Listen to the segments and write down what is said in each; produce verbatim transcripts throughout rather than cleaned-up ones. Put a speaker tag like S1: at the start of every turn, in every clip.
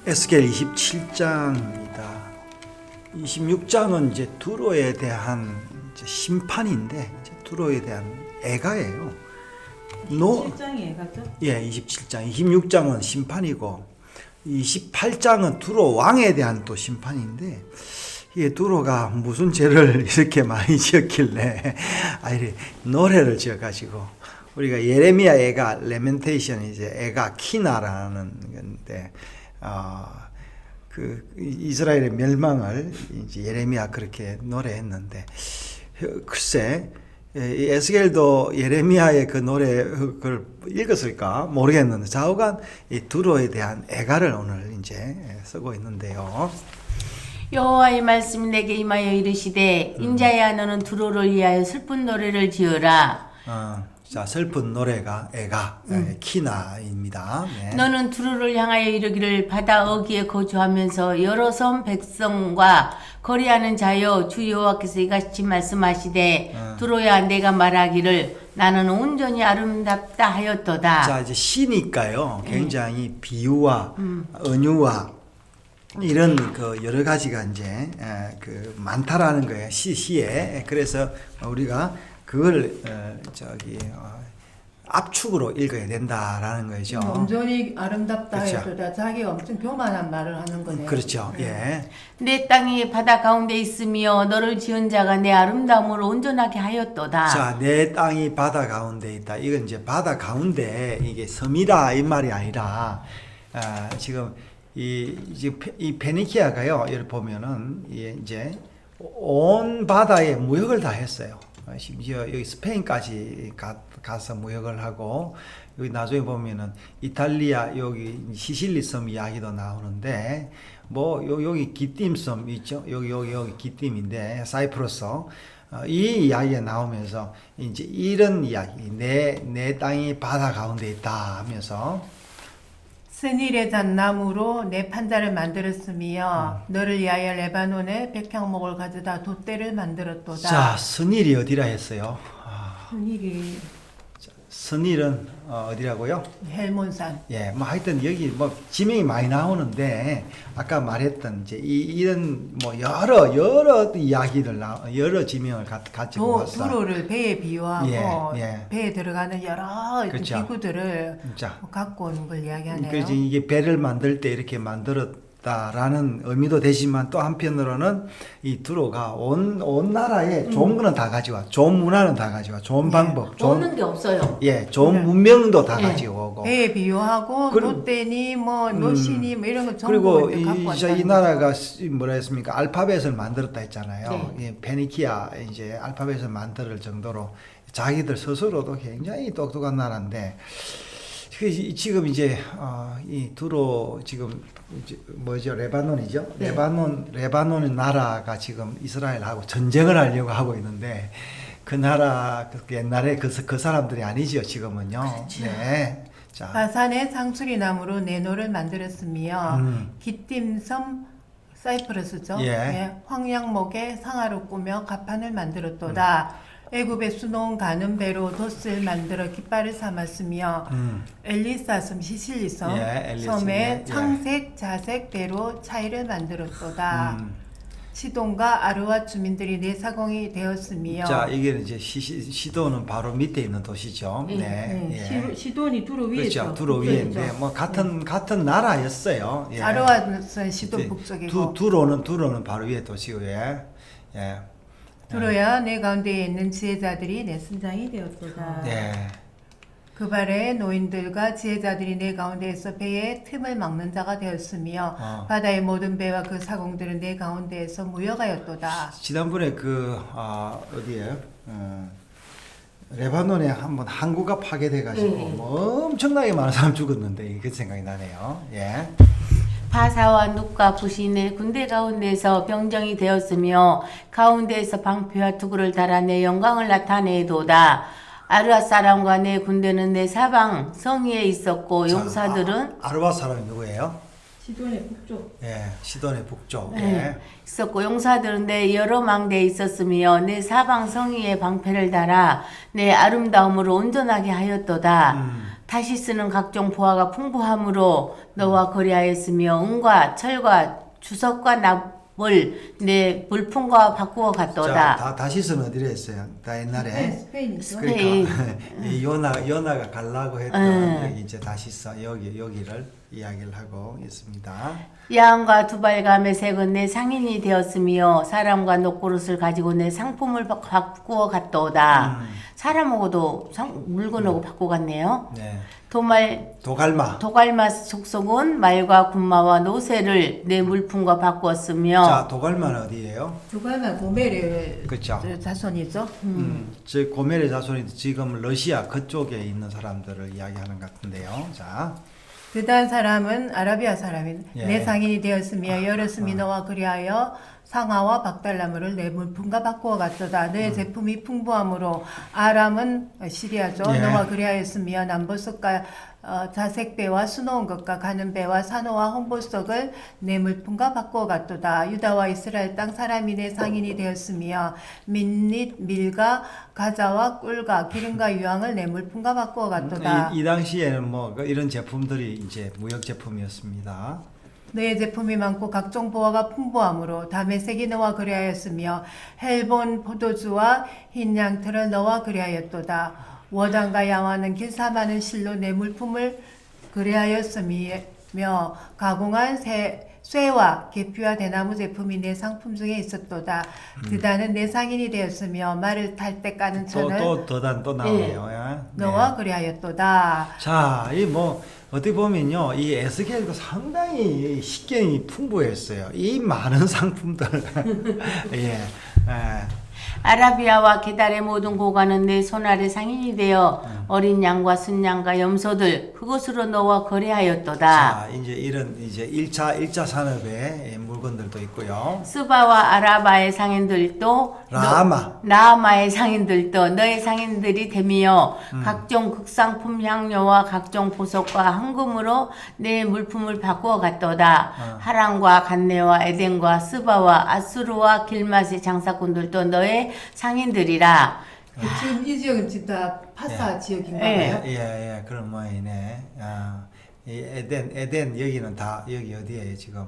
S1: 에스겔 이십칠 장입니다. 이십육 장은 이제 두로에 대한 이제 심판인데 이제 두로에 대한 애가예요. 노,
S2: 이십칠 장이 애가죠?
S1: 예, 이십칠 장. 이십육 장은 심판이고 이십팔 장은 두로 왕에 대한 또 심판인데 이게 두로가 무슨 죄를 이렇게 많이 지었길래 아 이래 노래를 지어가지고 우리가 예레미야 애가 레멘테이션 이제 애가 키나라는 건데 어, 그 이스라엘의 멸망을 이제 예레미야 그렇게 노래했는데 글쎄 이 에스겔도 예레미야의 그 노래 그걸 읽었을까 모르겠는데 좌우간 이 두로에 대한 애가를 오늘 이제 쓰고 있는데요.
S3: 여호와의 말씀이 내게 임하여 이르시되
S1: 음.
S3: 인자야 너는 두로를 위하여 슬픈 노래를 지어라.
S1: 어, 자 슬픈 노래가 애가 음. 키나입니다. 네.
S3: 너는 두로를 향하여 이르기를 바다 어귀에 거주하면서 여러 섬 백성과 거리하는 자여 주 여호와께서 이같이 말씀하시되
S1: 음.
S3: 두로야 내가 말하기를 나는 온전히 아름답다 하였도다.
S1: 자 이제 시니까요 굉장히 비유와 음. 은유와 이런 그 여러 가지가 이제 에, 그 많다라는 거예요 시 시에. 그래서 우리가 그걸 어, 저기 어, 압축으로 읽어야 된다라는 거죠.
S2: 온전히 아름답다
S1: 그렇죠.
S2: 해도다 자기가 엄청 교만한 말을 하는 거네요.
S1: 그렇죠. 예.
S3: 내 땅이 바다 가운데 있으며 너를 지은 자가 내 아름다움을 온전하게 하였도다.
S1: 자, 내 땅이 바다 가운데 있다. 이건 이제 바다 가운데 이게 섬이라 이 말이 아니라 아, 지금 이 이제 이 페니키아가요. 여기 보면은 이제 온 바다에 무역을 다 했어요. 심지어 여기 스페인까지 가, 가서 무역을 하고 여기 나중에 보면은 이탈리아 여기 시실리 섬 이야기도 나오는데 뭐 요, 여기 기띔 섬 있죠. 여기 여기 여기 기띔인데 사이프러스 어, 이 이야기가 나오면서 이제 이런 이야기 내 내 땅이 바다 가운데 있다 하면서
S2: 스닐의 잣나무로 내 판자를 만들었으며 음. 너를 위하여 레바논에 백향목을 가져다 돛대를 만들었도다.
S1: 자, 스닐이 어디라 했어요? 아,
S2: 스닐이
S1: 스닐은 어, 어디라고요?
S2: 헬몬산.
S1: 예, 뭐 하여튼 여기 뭐 지명이 많이 나오는데 아까 말했던 이제 이, 이런 뭐 여러 여러 이야기들 나 여러 지명을 가, 가지고 왔어.
S2: 두로를 배에 비유하고
S1: 예, 예.
S2: 배에 들어가는 여러
S1: 그렇죠.
S2: 기구들을
S1: 자,
S2: 갖고 오는 걸 이야기하네요.
S1: 그래서 이게 배를 만들 때 이렇게 만들었다라는 의미도 되지만 또 한편으로는 이 두로가 온, 온 나라에 좋은 거는 다 가져와, 좋은 문화는 다 가져와, 좋은 방법, 좋은
S3: 없는 게 없어요.
S1: 예, 좋은 문명도 다 가지고 오고.
S2: 배에 비유하고
S1: 그리고-
S2: 돛대니 뭐 노신이 뭐 이런 거
S1: 그리고
S2: 전부
S1: 이,
S2: 갖고
S1: 이,
S2: 왔다는
S1: 이 나라가 시- 뭐라 했습니까? 알파벳을 만들었다 했잖아요.
S3: 네.
S1: 예, 페니키아 이제 알파벳을 만들 정도로 자기들 스스로도 굉장히 똑똑한 나라인데 그 이- 지금 이제 어, 이 두로 지금 이제 뭐죠? 레바논이죠?
S3: 네.
S1: 레바논 레바논의 나라가 지금 이스라엘하고 전쟁을 하려고 하고 있는데 그 나라 그 옛날에 그, 그 사람들이 아니죠 지금은요.
S3: 그렇죠.
S1: 네. 자.
S2: 바산의 상수리 나무로 네노를 만들었으며
S1: 음.
S2: 기띔섬 사이프러스죠.
S1: 예.
S2: 황양목에 상아로 꾸며 가판을 만들었도다.
S1: 음.
S2: 애굽에 수놓은 가는 배로 돛을 만들어 깃발을 삼았으며
S1: 음.
S2: 엘리사섬 시실리섬
S1: 예, 엘리사,
S2: 섬에
S1: 예.
S2: 창색 자색 배로 차이를 만들었도다.
S1: 음.
S2: 시돈과 아르와 주민들이 내 사공이 되었으며
S1: 자, 이게 이제 시, 시, 시도는 바로 밑에 있는 도시죠.
S3: 네,
S1: 네.
S2: 네,
S1: 예.
S2: 시, 시돈이 두로 위에
S1: 그렇죠.
S2: 있죠.
S1: 두로
S2: 북쪽이죠.
S1: 위인데 뭐 같은 같은 나라였어요. 예.
S2: 아르와는 시돈
S1: 이제
S2: 북쪽이고
S1: 두 두로는 두로는 바로 위에 도시고 예. 예.
S2: 두로야 내 가운데에 있는 지혜자들이 내 순장이 되었도다.
S1: 예.
S2: 그 발에 노인들과 지혜자들이 내 가운데에서 배의 틈을 막는 자가 되었으며
S1: 어.
S2: 바다의 모든 배와 그 사공들은 내 가운데에서 무역하였도다.
S1: 지난번에 그 아, 어디에? 음, 레바논에 한번 항구가 파괴돼 가지고
S3: 네.
S1: 뭐 엄청나게 많은 사람 죽었는데 그 생각이 나네요. 예.
S3: 바사와 눕과 부신의 군대 가운데서 병정이 되었으며 가운데에서 방패와 투구를 달아 내 영광을 나타내도다. 아르아 사람과 내 군대는 내 사방 성위에 있었고 용사들은
S1: 아, 아르바 사람이 누구예요?
S2: 시돈의 북쪽.
S1: 예. 시돈의 북쪽.
S3: 네,
S1: 예.
S3: 있었고 용사들은 내 여러 망대에 있었으며 내 사방 성위에 방패를 달아 내 아름다움으로 온전하게 하였도다.
S1: 음.
S3: 다시 쓰는 각종 보화가 풍부함으로 너와 거래하였으며 은과 철과 주석과 납을 내 물품과 바꾸어
S1: 자,
S3: 갔도다.
S1: 다 다시스는 어디로 했어요? 다 옛날에
S2: 스페인이죠.
S3: 스페인.
S1: 이 요나 요나가 갈라고 했던
S3: 음.
S1: 여기 이제 다시스 여기 여기를 이야기를 하고 있습니다.
S3: 양과 두발감의 색은 내 상인이 되었으며 사람과 녹그릇을 가지고 내 상품을 바- 바꾸어 갔도다.
S1: 음.
S3: 사람하고도 상, 물건하고 바꾸어 갔네요.
S1: 네.
S3: 도말
S1: 도갈마.
S3: 도갈마 속속은 말과 군마와 노새를 내 물품과 바꾸었으며
S1: 자, 도갈마는 어디예요?
S2: 두갈만 고메르
S1: 그쵸.
S2: 자손이죠.
S1: 음, 저 고멜의 자손이 지금 러시아 그쪽에 있는 사람들을 이야기하는 것 같은데요. 자,
S2: 그다음 사람은 아라비아 사람인
S1: 예.
S2: 내 상인이 되었으며 여럿음이 너와 그리하여 상아와 박달나무를 내 물품과 바꾸어 갔도다. 너의 제품이 풍부함으로 아람은 시리아죠.
S1: 예.
S2: 너와 그리하였으며 남보석과 어, 자색배와 수놓은 것과 가는 배와 산호와 홍보석을 내 물품과 바꾸어 갔도다. 유다와 이스라엘 땅 사람이 내 상인이 되었으며 민릿, 밀과 가자와 꿀과 기름과 유황을 내 물품과 바꾸어 갔도다.
S1: 이, 이 당시에는 뭐 그 이런 제품들이 이제 무역 제품이었습니다.
S2: 너의 제품이 많고 각종 보화가 풍부함으로 다메섹이 너와 그리하였으며 헬본 포도주와 흰 양털을 너와 그리하였도다. 워당과 야와는 길사 많은 실로 내 물품을 그리하였으며 가공한 새, 쇠와 계피와 대나무 제품이 내 상품 중에 있었도다. 드다는 내 상인이 되었으며 말을 탈 때 까는 천을
S1: 또또 더단 또 나오네요. 예.
S2: 너와
S1: 네.
S2: 그리하였도다.
S1: 자, 이 뭐 어떻게 보면요, 이 에스겔도 상당히 식견이 풍부했어요. 이 많은 상품들, 예, 예.
S3: 아라비아와 게달의 모든 고관은 내 손아래 상인이 되어 어린 양과 순양과 염소들 그것으로 너와 거래하였도다.
S1: 자, 이제 이런 이제 일 차 일 차 산업의 물건들도 있고요.
S3: 스바와 아라바의 상인들도
S1: 라마.
S3: 너, 라마의 상인들도 너의 상인들이 되며
S1: 음.
S3: 각종 극상품 향료와 각종 보석과 황금으로 내 물품을 바꾸어 갔도다.
S1: 어.
S3: 하란과 간네와 에덴과 스바와 아수르와 길맛의 장사꾼들도 너의 상인들이라.
S2: 지금 이 지역은 진짜 파사 지역인가요?
S3: 예.
S1: 예, 예, 그런 모양이네. 아, 이 에덴, 에덴 여기는 다 여기 어디예요 지금?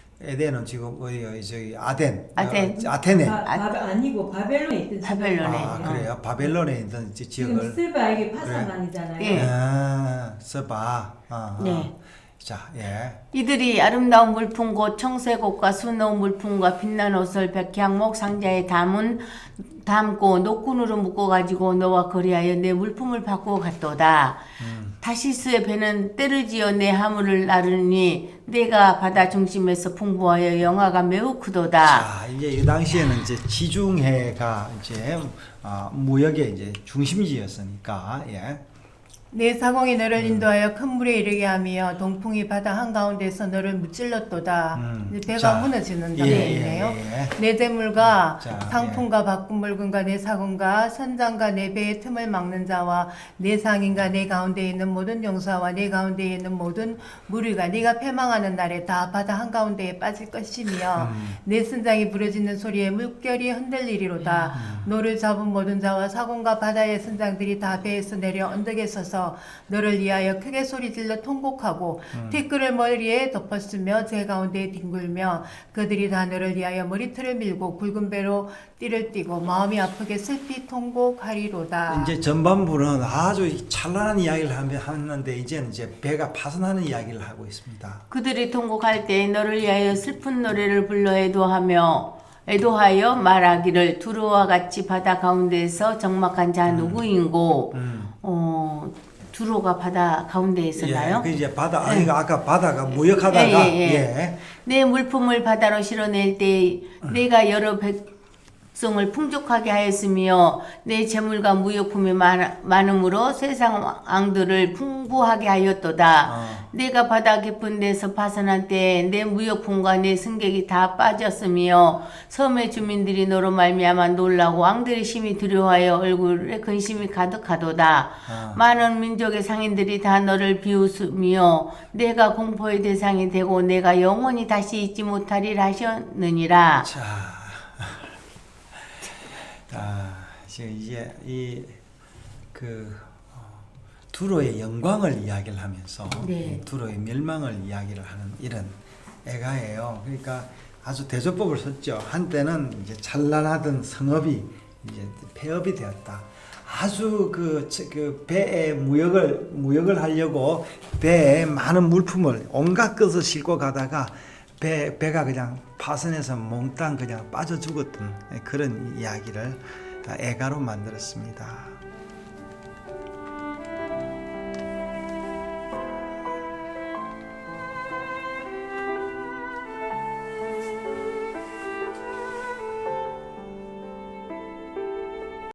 S1: 에덴은 지금 어디 저기 아덴,
S3: 아덴.
S1: 어, 아테네.
S4: 바, 바, 아니고 바벨론에 있던
S3: 바벨론에.
S1: 아,
S4: 지역이에요.
S1: 그래요? 바벨론에 있던 지-
S4: 지금
S1: 지역을.
S4: 스바 이게
S1: 그래.
S4: 파산만이잖아요.
S3: 예.
S1: 아, 서봐. 아,
S3: 네.
S1: 자, 예.
S3: 이들이 아름다운 물품 곧 청색옷과 수놓은 물품과 빛난 옷을 백향목 상자에 담은 담고 노끈으로 묶어가지고 너와 거래하여 내 물품을 바꾸어 갔도다.
S1: 음.
S3: 다시스의 배는 때를 지어 내 하물을 나르니 내가 바다 중심에서 풍부하여 영화가 매우 크도다.
S1: 자, 이제 이 당시에는 이제 지중해가 이제 아, 무역의 이제 중심지였으니까, 예.
S2: 내 사공이 너를 인도하여 큰 물에 이르게 하며 동풍이 바다 한가운데서 너를 무찔렀도다.
S1: 음.
S2: 이제 배가
S1: 자,
S2: 무너지는
S1: 예,
S2: 장면이네요.
S1: 예, 예.
S2: 내 재물과
S1: 자,
S2: 상품과 바꾼 물건과 내 사공과 선장과 내 배의 틈을 막는 자와 내 상인과 내 가운데 있는 모든 용사와 내 가운데 있는 모든 무리가 네가 패망하는 날에 다 바다 한가운데에 빠질 것이며
S1: 음.
S2: 내 선장이 부러지는 소리에 물결이 흔들리리로다.
S1: 음.
S2: 너를 잡은 모든 자와 사공과 바다의 선장들이 다 배에서 내려 언덕에 서서 너를 위하여 크게 소리질러 통곡하고
S1: 음.
S2: 티끌을 머리에 덮었으며 제 가운데에 뒹굴며 그들이 다 너를 위하여 머리털을 밀고 굵은 배로 띠를 띠고 마음이 아프게 슬피 통곡하리로다.
S1: 이제 전반부는 아주 찬란한 이야기를 하며- 하는데 이제는 이제 배가 파손하는 이야기를 하고 있습니다.
S3: 그들이 통곡할 때 너를 위하여 슬픈 노래를 불러 애도하며 애도하여 말하기를 두루와 같이 바다 가운데에서 적막한 자 누구인고
S1: 음.
S3: 어 두루가 바다 가운데에 있었나요?
S1: 예, 그 이제 바다 아이가 아까 바다가 무역하다가
S3: 예, 예, 예.
S1: 예.
S3: 내 물품을 바다로 실어낼 때 내가 여러 백성을 풍족하게 하였으며 내 재물과 무역품이 많, 많음으로 세상 왕들을 풍부하게 하였도다.
S1: 어.
S3: 내가 바다 깊은 데서 파산한 때 내 무역품과 내 승객이 다 빠졌으며 섬의 주민들이 너로 말미암아 놀라고 왕들이 심히 두려워하여 얼굴에 근심이 가득하도다.
S1: 어.
S3: 많은 민족의 상인들이 다 너를 비웃으며 내가 공포의 대상이 되고 내가 영원히 다시 잊지 못하리라 하셨느니라.
S1: 자, 아, 지금 이제 이 그 두로의 영광을 이야기를 하면서
S3: 네.
S1: 두로의 멸망을 이야기를 하는 이런 애가예요. 그러니까 아주 대조법을 썼죠. 한때는 이제 찬란하던 성읍이 이제 폐업이 되었다. 아주 그, 그 배에 무역을 무역을 하려고 배에 많은 물품을 온갖 것을 싣고 가다가 배 배가 그냥 파선해서 몽땅 그냥 빠져 죽었던 그런 이야기를 애가로 만들었습니다.